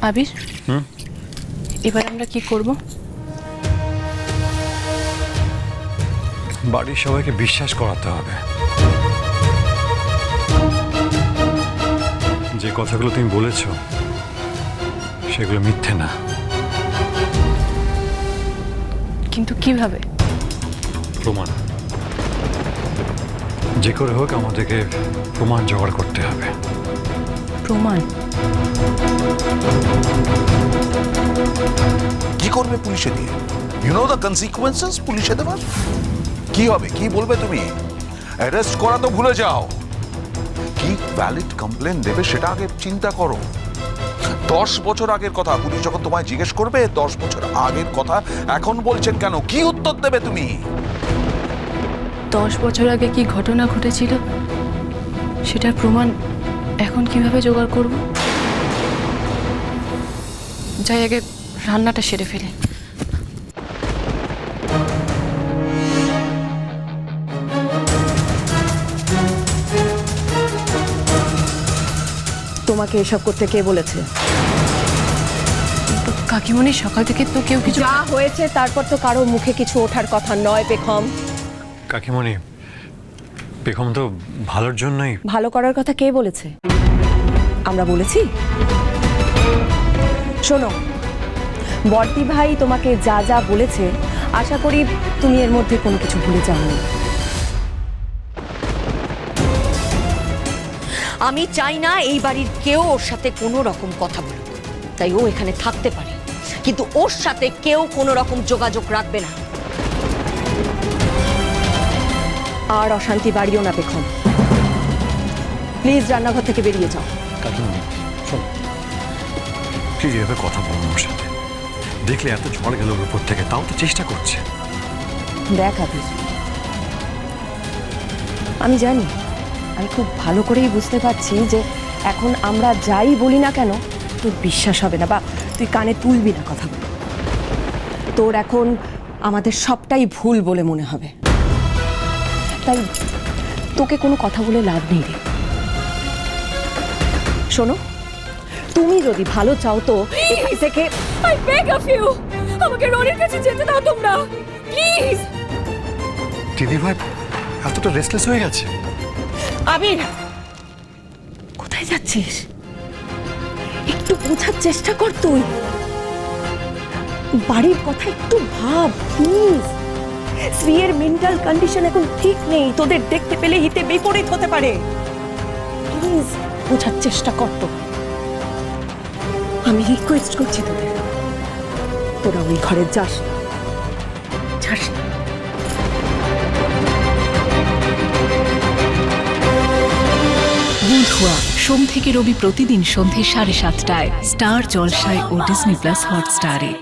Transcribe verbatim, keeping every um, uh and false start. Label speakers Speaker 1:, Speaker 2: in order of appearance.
Speaker 1: আবির,
Speaker 2: হুম
Speaker 1: এবার আমরা কি করব?
Speaker 2: বাড়ির সবাইকে বিশ্বাস করাতে হবে যে কথাগুলো তুমি বলেছো সেগুলো মিথ্যে না।
Speaker 1: কিন্তু কিভাবে?
Speaker 2: প্রমাণ, যে করে হোক আমাদেরকে প্রমাণ জোগাড় করতে হবে।
Speaker 1: প্রমাণ?
Speaker 3: কি করবে পুলিশে দিয়ে? ইউ নো দ্য কনসিকুয়েন্সেস পুলিশে দেওয়ার? কি হবে, কি বলবে তুমি? অ্যারেস্ট করা তো ভুলে যাও, কি ভ্যালিড কমপ্লেন দেবে সেটা আগে চিন্তা করো। দশ বছর আগের কথা পুলিশ যখন তোমায় জিজ্ঞেস করবে, দশ বছর আগের কথা এখন বলছেন কেন? কি উত্তর দেবে তুমি?
Speaker 1: দশ বছর আগে কি ঘটনা ঘটেছিল সেটার প্রমাণ এখন কিভাবে জোগাড় করব? যাই আগে রান্নাটা সেরে ফেলে।
Speaker 4: তোমাকে এসব করতে কে বলেছে?
Speaker 1: কাকিমণি, সকাল থেকে তো কেউ কিছু।
Speaker 4: যা হয়েছে তারপর তো কারো মুখে কিছু ওঠার কথা নয় বেগম।
Speaker 2: কাকিমণি, বেগম তো ভালোর জন্যই।
Speaker 4: ভালো করার কথা কে বলেছে? আমরা বলেছি? শোনো, বর্দি ভাই তোমাকে যা যা বলেছে আশা করি তুমি এর মধ্যে কোনো কিছু ভুলে যাওনি।
Speaker 5: আমি চাই না এই বাড়ির কেউ ওর সাথে কোনো রকম কথা বলুক, তাই ও এখানে থাকতে পারে, কিন্তু ওর সাথে কেউ কোনো রকম যোগাযোগ রাখবে না।
Speaker 4: আর অশান্তি বাড়িও না বেগম, প্লিজ রান্নাঘর থেকে বেরিয়ে যাও।
Speaker 2: কাকিমণি শোনো, প্লিজ এভাবে কথা বলুন ওর সাথে। দেখলে এত ঝড় গেল ওর উপর থেকে, তাও তো চেষ্টা করছে।
Speaker 4: দেখ আবির, আমি জানি, আমি খুব ভালো করেই বুঝতে পারছি যে এখন আমরা যাই বলি না কেন তোর বিশ্বাস হবে না, বা তুই কানে তুলবি না কথাগুলো। তোর এখন আমাদের সবটাই ভুল বলে মনে হবে, তাই তোকে কোনো কথা বলে লাভ নেই রে। শোনো, তুমি যদি ভালো চাও তো এখান থেকে
Speaker 6: I beg of you, আমাকে রনির কাছে যেতে দাও তোমরা, প্লিজ।
Speaker 2: দিদি ভাই এতটা রেস্টলেস হয়ে গেছে।
Speaker 4: আবির, কোথায় যাচ্ছিস? একটু বোঝার চেষ্টা কর তুই। বাড়ির কথা একটু ভাব প্লিজ। শ্রীয়ের মেন্টাল কন্ডিশন এখন ঠিক নেই, তোদের দেখতে পেলে হিতে বিপরীত হতে পারে। প্লিজ বোঝার চেষ্টা কর তো। আমি রিকোয়েস্ট করছি তোদের, তোরা ওই ঘরে যাস না, যাস না।
Speaker 7: বুধুয়া সোম থেকে রবি প্রতিদিন সন্ধে সাড়ে সাতটায় স্টার জলসায় ও ডিজনি প্লাস হটস্টারে।